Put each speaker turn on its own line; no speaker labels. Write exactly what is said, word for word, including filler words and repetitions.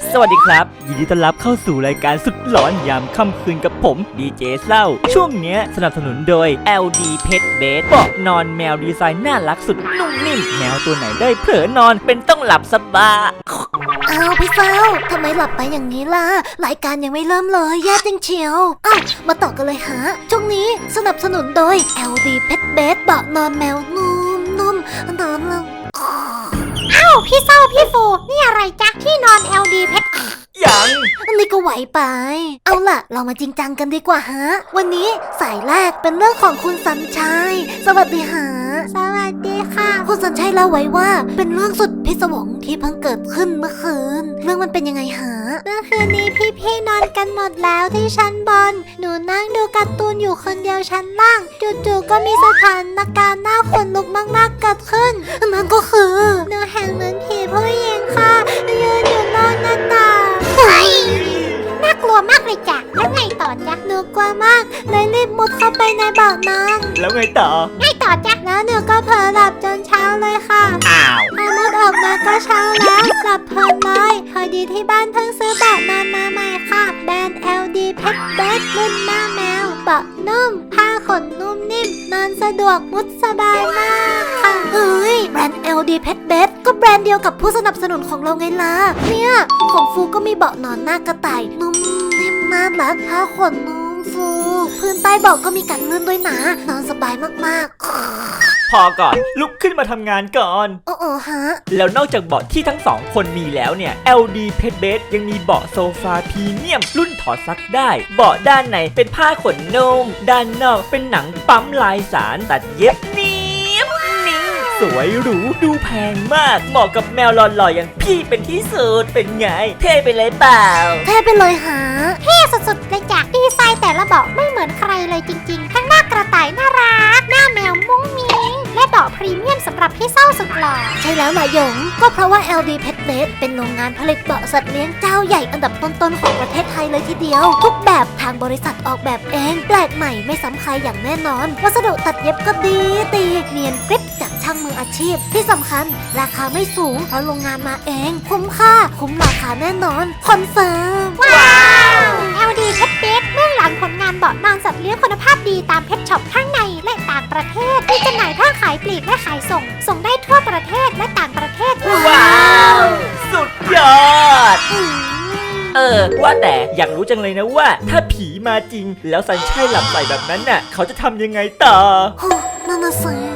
สวัสดีครับยินดีต้อนรับเข้าสู่รายการสุดหลอนยามค่ำคืนกับผมดีเจเศร้าช่วงเนี้ยสนับสนุนโดย แอล ดี Pet Bed เบาะนอนแมวดีไซน์น่ารักสุดนุ่มนิ่มแมวตัวไหนได้เผลอนอนเป็นต้องหลับสบาย
อ้าวพี่เฝ้าทำไมหลับไปอย่างนี้ล่ะรายการยังไม่เริ่มเลยแย่จริงเชียวอ้าวมาต่อกันเลยฮะช่วงนี้สนับสนุนโดย แอล ดี Pet Bed เบาะนอนแมวนุ่มนุ่มนอนลงอ้าวพี่เศร้าพี่ฟูนี่อะไรจ๊ะที่นอน แอล ดี Pet
ยัง
อันนี้ก็ไหวไปเอาล่ะเรามาจริงจังกันดีกว่าฮะวันนี้สายแรกเป็นเรื่องของคุณสัญชัยสวัสดีฮะสวัสดีค่ะคุณสัญชัยเล่าไว้ว่าเป็นเรื่องสุดพิศวงที่เพิ่งเกิดขึ้นเมื่อคืนเรื่องมันเป็นยังไงฮะเมื่อคืนนี้พี่ๆนอนกันหมดแล้วที่ชั้นบนหนูนั่งดูการ์ตูนอยู่คนเดียวชั้นล่างจู่ๆก็มีสถานการณ์น่าขนลุกมากๆเกิดขึ้นนั่นก็คือหนูเห็นเหมือนผีผู้หญิงค่ะยืนอยู่นอกหน้าต่างน่ากลัวมากเลยจ้ะแล้วไงต่อจ๊ะหนูกลัวมากเลยรีบมุดเข้าไปในบ่อนอน
แล้วไงต่อ
ไงต่อจ๊ะแล้วหนูก็เผลอหลับจนเช้าเลยค่ะ
อ้าว
พอมุดออกมาก็เช้าแล้วหลับเพลินเลยพอดีที่บ้านเพิ่งซื้อเบาะนอนมาใหม่ค่ะแบรนด์ แอล ดี Pet Bed รุ่นหน้าแมวเบาะนุ่มผ้าขนนุ่มนิ่มนอนสะดวกมุดสบายมากค่ะเฮ้ยแบรนด์ แอล ดี Pet Bed ก็แบรนด์เดียวกับผู้สนับสนุนของเราไงล่ะเนี่ยของฟูก็มีเบาะนอนหน้ากระต่ายนุ่มนิ่มน่ารักผ้าขนนุ่มฟูพื้นใต้เบาะก็มีกันลื่นด้วยนะนอนสบายมากๆ
พอก่อนลุกขึ้นมาทำงานก่อน
โอ้โอฮะ
แล้วนอกจากเบาะที่ทั้งสองคนมีแล้วเนี่ย แอล ดี Pet Bed ยังมีเบาะโซฟาพรีเมียมรุ่นถอดซักได้เบาะด้านในเป็นผ้าขนนุ่มด้านนอกเป็นหนังปั๊มลายสารตัดเย็บเนียบนิ่งสวยหรูดูแพงมากเหมาะกับแมวหล่อๆอย่างพี่เป็นที่สุดเป็นไงเท่ไปเลยเปล่า
เท่ไปเลยฮะเท่สุดๆเลยจ้ะดีไซน์แต่ละเบาะไม่เหมือนใครเลยจริงๆทั้งหน้ากระต่ายน่ารักหน้าแมวมุ้งมิ้งและเบาะพรีเมียมสำหรับพี่เศร้าสุดหล่อใช่แล้วนะหยงก็เพราะว่า แอล ดี Pet Bed เป็นโรงงานผลิตเบาะสัตว์เลี้ยงเจ้าใหญ่อันดับต้นๆของประเทศไทยเลยทีเดียวทุกแบบทางบริษัทออกแบบเองแปลกใหม่ไม่ซ้ำใครอย่างแน่นอนวัสดุตัดเย็บก็ดีตีเนียนกริบจากช่างมืออาชีพที่สำคัญราคาไม่สูงเพราะโรงงานมาเองคุ้มค่าคุ้มราคาแน่นอนคอนเฟิร์มว้าว แอล ดี Pet Bed เบื้องหลังผลงานเบาะนอนสัตว์เลี้ยงคุณภาพดีตามเพชช็อปทั้งในและต่างประเทศมีจำหน่ายทั้งขายปลีกและขายส่งส่งได้ทั่วประเทศและต่างประเทศ
ว้าวสุดยอดเออว่าแต่อยากรู้จังเลยนะว่าถ้าผีมาจริงแล้วสัญชัยหลับใส่แบบนั้นน่ะเขาจะทำยังไงต่อ
นั่นน่ะสิ